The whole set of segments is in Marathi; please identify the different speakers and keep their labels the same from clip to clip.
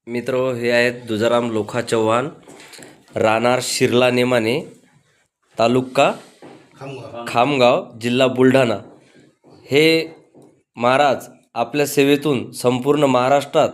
Speaker 1: मित्र हे आहेत दुजाराम लोखा चव्हाण, राहणार शिरला नेमाने, तालुका खामगाव, जिल्हा बुलढाणा। हे महाराज आपल्या सेवेतून संपूर्ण महाराष्ट्रात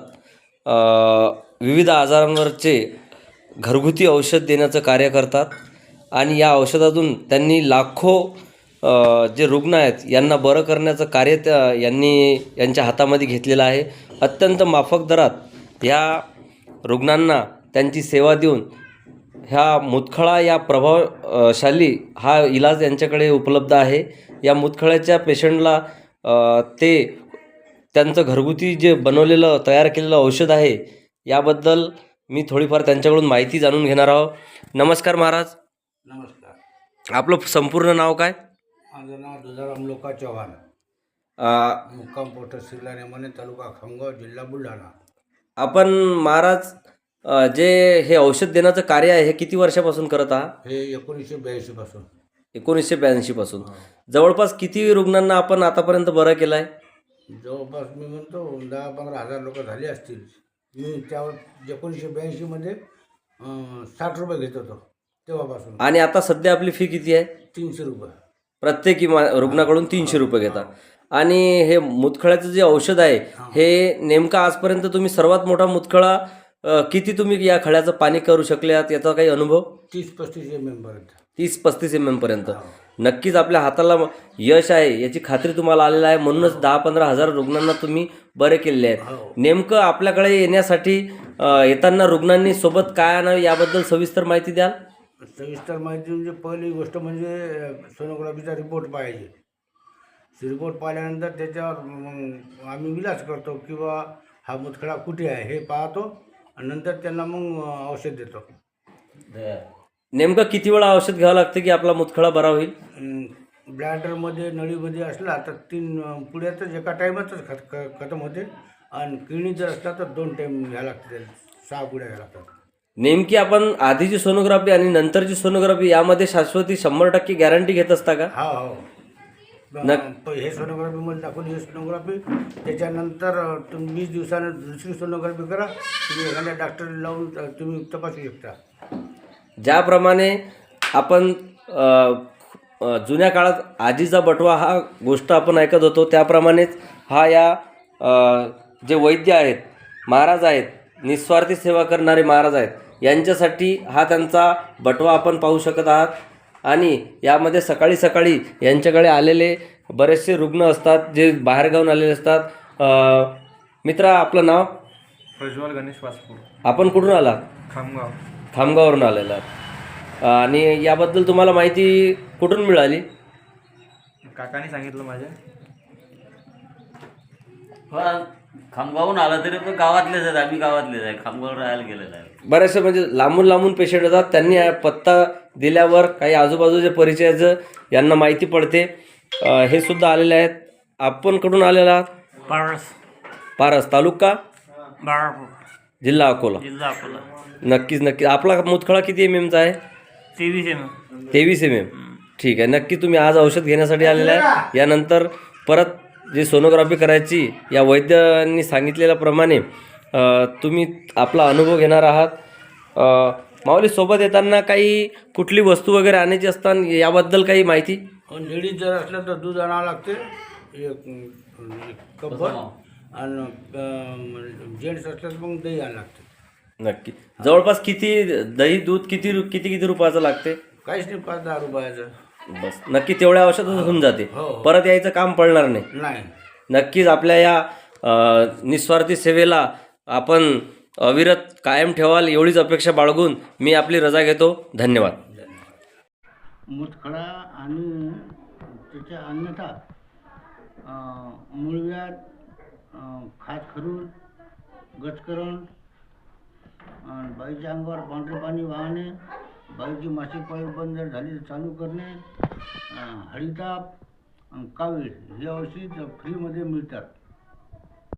Speaker 1: विविध आजारांवरचे घरगुती औषध देण्याचं कार्य करतात आणि या औषधातून त्यांनी लाखो जे रुग्ण आहेत यांना बरं करण्याचं कार्य यांच्या हातामध्ये घेतलेलं आहे। अत्यंत माफक दरात ह्या रुग्णांना त्यांची सेवा देऊन ह्या मुतखळा या प्रभावशाली हा इलाज यांच्याकडे उपलब्ध आहे। या मुतखळ्याच्या पेशंटला ते त्यांचं घरगुती जे बनवलेलं तयार केलेलं औषध आहे याबद्दल मी थोडीफार त्यांच्याकडून माहिती जाणून घेणार आहोत। नमस्कार महाराज।
Speaker 2: नमस्कार।
Speaker 1: आपलं संपूर्ण नाव काय?
Speaker 2: माझं नाव दुजाराम लोखा चव्हाण, मुक्काम पोस्ट शिरला नेमाने, तालुका खामगाव, जिल्हा बुलढाणा।
Speaker 1: आपण महाराज जे हे औषध देण्याचं कार्य आहे हे किती वर्षापासून करत आहात?
Speaker 2: हे 1982 पासून।
Speaker 1: 1982 पासून। जवळपास किती रुग्णांना आपण आतापर्यंत बरं केलं आहे?
Speaker 2: जवळपास मी म्हणतो 10-15 हजार लोक झाले असतील। मी त्यावर 1982 मध्ये 60 रुपये घेत होतो तेव्हापासून।
Speaker 1: आणि आता सध्या आपली फी किती आहे?
Speaker 2: 300 रुपये
Speaker 1: प्रत्येकी रुग्णाकडून 300 रुपये घेता। आणि हे मुतखळ्याचं जे औषध आहे हे नेमकं आजपर्यंत तुम्ही सर्वात मोठा मुतखळा किती तुम्ही या खळ्याचं पाणी करू शकले आहात याचा काही अनुभव?
Speaker 2: 30-35 mm पर्यंत।
Speaker 1: 30-35 mm पर्यंत। नक्कीच आपल्या हाताला यश आहे याची खात्री तुम्हाला आलेली आहे, म्हणूनच 10-15 हजार रुग्णांना तुम्ही बरे केलेले आहेत। नेमकं आपल्याकडे येण्यासाठी येताना रुग्णांनी सोबत काय आणावे याबद्दल सविस्तर माहिती द्याल?
Speaker 2: सविस्तर माहिती म्हणजे पहिली गोष्ट म्हणजे सोनोग्राफीचा रिपोर्ट पाहिजे। रिपोर्ट पाहिल्यानंतर त्याच्यावर मग आम्ही इलाज करतो किंवा हा मुतखडा कुठे आहे हे पाहतो आणि नंतर त्यांना मग औषध देतो।
Speaker 1: नेमकं किती वेळा औषध घ्यावं लागतं की आपला मुतखडा बरा होईल?
Speaker 2: ब्लॅडरमध्ये नळीमध्ये असला तर 3 पुड्यातच एका टाईमातच खतम होते आणि किडनी जर असला तर 2 टाईम घ्यावं लागते, 6 पुड्या घ्यावं लागतात।
Speaker 1: नेमकी आपण आधीची सोनोग्राफी आणि नंतरची सोनोग्राफी यामध्ये शाश्वती 100% गॅरंटी घेत असता का?
Speaker 2: हो। हे सोनोग्राफीमध्ये दाखवली, हे सोनोग्राफी त्याच्यानंतर तुम्ही 20 दिवसानं दुसरी सोनोग्राफी करा, तुम्ही एखाद्या डॉक्टर लावून तुम्ही तपासू शकता।
Speaker 1: ज्याप्रमाणे आपण जुन्या काळात आजीचा बटवा हा गोष्ट आपण ऐकत होतो त्याप्रमाणेच हा या जे वैद्य आहेत, महाराज आहेत, निस्वार्थी सेवा करणारे महाराज आहेत, यांच्यासाठी हा त्यांचा बटवा आपण पाहू शकत आहात। आणि यामध्ये सकाळी सकाळी यांच्याकडे आलेले बरेचसे रुग्ण असतात जे बाहेरगावून आलेले असतात। मित्रा आपलं नाव?
Speaker 3: प्रज्वल गणेश वासपूर।
Speaker 1: आपण कुठून आला?
Speaker 3: खामगाव।
Speaker 1: खामगाववरून आलेला। आणि याबद्दल तुम्हाला माहिती कुठून मिळाली?
Speaker 3: काकाने सांगितलं माझ्या।
Speaker 4: खामगावून आला तरी पण गावातलेच आहेत, आम्ही गावातलेच आहे, खामगाव राहायला गेलेलं आहे।
Speaker 1: बरेचसे म्हणजे लांबून लांबून पेशंट येतात, त्यांनी पत्ता दिल्यावर काही आजूबाजूच्या परिचयाचं यांना माहिती पडते। हे सुद्धा आलेले आहेत। आपण कुठून आलेला आहात? पारस, तालुका
Speaker 4: बाळापूर,
Speaker 1: जिल्हा अकोला। नक्कीच। आपला मुतखळा किती MM चा आहे?
Speaker 4: 23 mm।
Speaker 1: 23 MM। ठीक आहे। नक्की तुम्ही आज औषध घेण्यासाठी आलेला आहे। यानंतर परत जी सोनोग्राफी करायची या वैद्यांनी सांगितलेल्याप्रमाणे तुम्ही आपला अनुभव घेणार आहात। माऊली, सोबत येताना काही कुठली वस्तू वगैरे आणायची असतात याबद्दल काही माहिती?
Speaker 2: लेडीज जर असलं तर दूध आणावं लागते, एक कपभर, आणि जेंट्स असलं तर मग दही आणावं लागते।
Speaker 1: नक्की। जवळपास किती दही दूध किती रुपयाचं लागते?
Speaker 2: काहीच नाही, 5-10 रुपयाचं
Speaker 1: बस। नक्की तेवढ्या औषधात होऊन जाते, परत यायचं काम पडणार नाही। नक्कीच आपल्या या निस्वार्थी सेवेला आपण अविरत कायम ठेवाल एवढीच अपेक्षा बाळगून मी आपली रजा घेतो। धन्यवाद।
Speaker 2: मुतखडा आणि त्याच्या अन्यथा मूळव्याध, खाजखरून, गचकरण, बाईच्या अंगावर पांढरे पाणी वाहणे, बाईची मासिक पाळी बंद जर झाली तर चालू करणे, हळीताप, कावीळ हे औषध फ्रीमध्ये मिळतात।